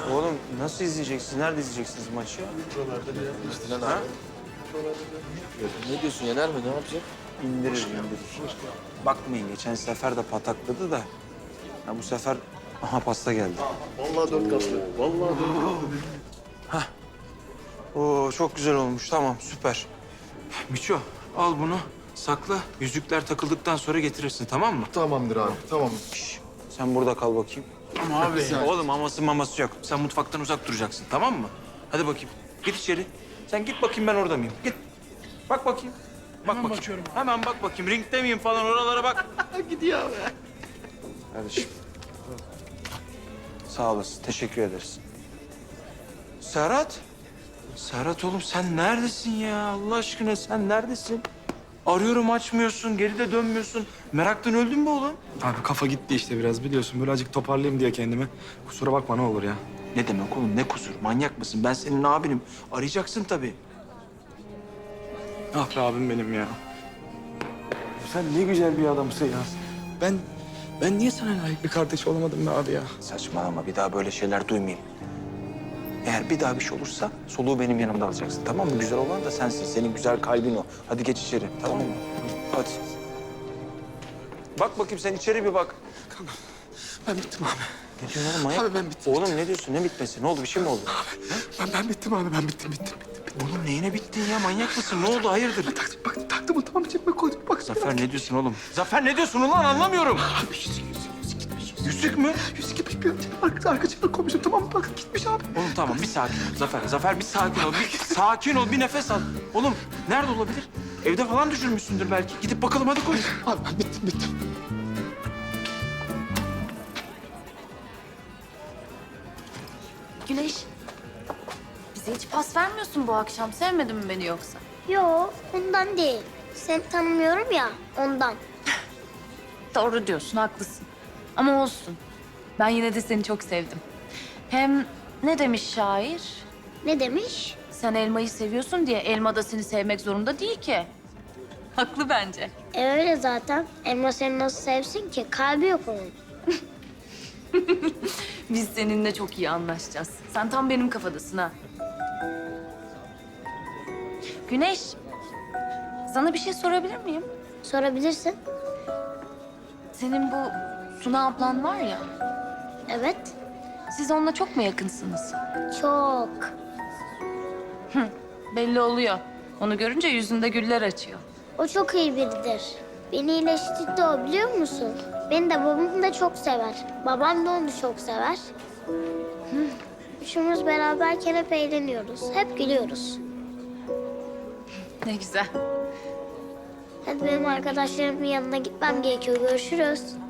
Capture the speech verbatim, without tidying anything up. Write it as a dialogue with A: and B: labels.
A: Oğlum nasıl izleyeceksiniz? Nerede izleyeceksiniz maçı?
B: İşte lan abi. Ne diyorsun, yener mi? Ne yapacak?
A: İndirir, indirir. Bakmayın, geçen sefer de patakladı da. Ha, bu sefer aha pasta geldi.
C: Vallahi dört katlı. Vallahi dört katlı.
A: Oo çok güzel olmuş. Tamam, süper. Miço, al bunu. Sakla. Yüzükler takıldıktan sonra getirirsin, tamam mı?
C: Tamamdır abi, tamam.
A: Şş, sen burada kal bakayım.
D: Ama abi.
A: Oğlum aması maması yok. Sen mutfaktan uzak duracaksın, tamam mı? Hadi bakayım. Git içeri. Sen git bakayım ben orada mıyım? Git. Bak bakayım. Bak
D: Hemen
A: bakayım.
D: bakıyorum.
A: Hemen bak bakayım. Ringde miyim falan oralara bak.
D: Gidiyor abi.
A: Kardeşim. Sağ olasın. Teşekkür ederiz. Serhat. Serhat oğlum sen neredesin ya? Allah aşkına sen neredesin? Arıyorum açmıyorsun, geri de dönmüyorsun. Meraktan öldün mü oğlum?
E: Abi kafa gitti işte biraz biliyorsun. Böyle azıcık toparlayayım diye kendimi. Kusura bakma ne olur ya.
A: Ne demek oğlum? Ne kusur? Manyak mısın? Ben senin abinim. Arayacaksın tabii.
E: Ah be abim benim ya. Sen ne güzel bir adamsın ya. Ben ben niye sana layık bir kardeş olamadım be abi ya?
A: Saçmalama. Bir daha böyle şeyler duymayayım. Eğer bir daha bir şey olursa soluğu benim yanımda alacaksın. Tamam mı? Güzel olan da sensin. Senin güzel kalbin o. Hadi geç içeri. Tamam mı? Hadi. Bak bakayım sen içeri bir bak.
E: Ben bittim abi.
A: Ne diyorsun oğlum manyak?
E: Abi ben bittim.
A: Oğlum ne diyorsun? Ne bitmesi? Ne oldu? Bir şey mi oldu?
E: Ben ben bittim abi ben bittim bittim bittim. bittim.
A: Oğlum neyine bittin ya? Manyak mısın? Ne oldu? Hayırdır?
E: Taktım bak taktım o tamam cebime koydum bak.
A: Zafer ne diyorsun oğlum? Zafer ne diyorsun ulan? Anlamıyorum.
E: Abi yüzük yüzük yüzük gitmiş.
A: Yüzük mü?
E: Yüzük gitmiş bir arka, arka cebime koymuşum tamam mı? Bak gitmiş abi.
A: Oğlum tamam bir sakin ol Zafer. Zafer bir sakin ol. Bir sakin ol. Bir nefes al. Oğlum nerede olabilir? Evde falan düşürmüşsündür belki. Gidip bakalım hadi koş.
E: Abi ben bittim bittim.
F: Güneş, bize hiç pas vermiyorsun bu akşam. Sevmedin mi beni yoksa?
G: Yo, ondan değil. Seni tanımıyorum ya, ondan.
F: Doğru diyorsun, haklısın. Ama olsun. Ben yine de seni çok sevdim. Hem ne demiş şair?
G: Ne demiş?
F: Sen elmayı seviyorsun diye elma da seni sevmek zorunda değil ki. Haklı bence.
G: E öyle zaten. Elma seni nasıl sevsin ki? Kalbi yok onun.
F: Biz seninle çok iyi anlaşacağız. Sen tam benim kafadasın ha. Güneş, sana bir şey sorabilir miyim?
G: Sorabilirsin.
F: Senin bu Suna ablan var ya,
G: Evet,
F: siz onunla çok mu yakınsınız?
G: çok.
F: Belli oluyor. Onu görünce yüzünde güller açıyor.
G: O çok iyi biridir. Beni iyileştirdi o biliyor musun? Beni de babamı da çok sever. Babam da onu çok sever. Hı. Üçümüz beraberken hep eğleniyoruz. Hep gülüyoruz.
F: Ne güzel.
G: Hadi benim arkadaşlarımın yanına gitmem gerekiyor. Görüşürüz.